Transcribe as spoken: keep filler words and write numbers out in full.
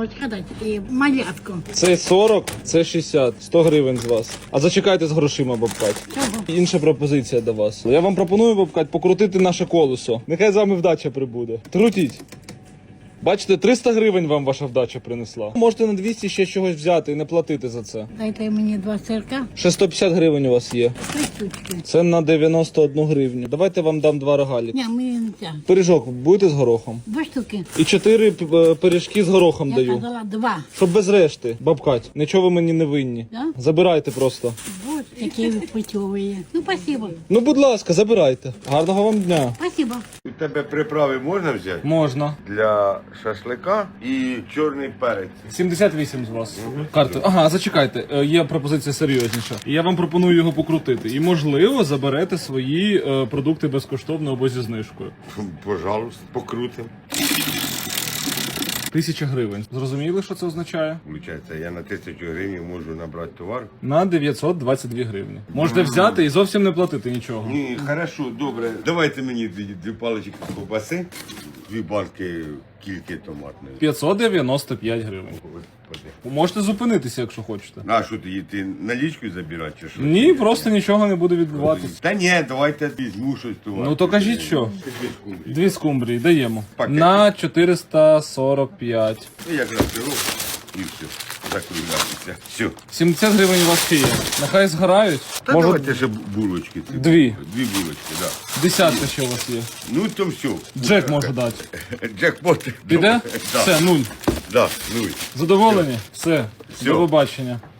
молочка дати і малятку. Це сорок, це шістдесят, сто гривень з вас. А зачекайте з грошима, бабкать. Чого? Інша пропозиція до вас. Я вам пропоную, бабкать, покрутити наше колесо. Нехай з вами вдача прибуде. Крутіть. Бачите, триста гривень вам ваша вдача принесла. Можете на двісті ще чогось взяти і не платити за це. Дайте мені два сирка, Ще сто п'ятдесят гривень у вас є. три штучки. Це на дев'яносто одну гривню. Давайте вам дам два рогалі. Ні, мені не ця. Пиріжок будете з горохом? Два штуки. І чотири е, пиріжки з горохом Я даю. казала два. Щоб без решти, бабкать. Нічого ви мені не винні. Да? Забирайте просто. Вот, які ви путьові. Ну, спасибо. Ну, будь ласка, забирайте. Гарного вам дня. Спасибо. У тебе приправи можна взяти? Можна. Для шашлика і чорний перець. сімдесят вісім з вас. Карти. Ага, зачекайте, е, є пропозиція серйозніша. Я вам пропоную його покрутити. І, можливо, заберете свої е, продукти безкоштовно або зі знижкою. Пожалуйста, покрутим. Тисяча гривень. Зрозуміли, що це означає? Получається, я на тисячу гривень можу набрати товар. На дев'ятсот двадцять дві гривні. Можете взяти і зовсім не платити нічого. Ні, хорошо, добре. Давайте мені дві, дві палички ковбаси, дві банки кільки томатної. п'ятсот дев'яносто п'ять гривень. Господи. Можете зупинитися, якщо хочете. На що ти, ти налічку забирати чи що? Ні, просто нічого не буде відбуватися. Та ні, давайте візьму щось товар. Ну то кажіть що? Дві скумбрії даємо. Пакет. На чотириста сорок п'ять. Ну, якраз беру і все. Закруглятися. Все. сімдесят гривень у вас ще є. Нехай згорають. Та Може, давайте ще булочки. ці. Дві. Дві булочки, так. Да. десятка ще у вас є. Ну то все. Джек може дати. Джекпот. Піде? Да. Все, нуль. Да, ну. Задоволені? Все. Все. До побачення.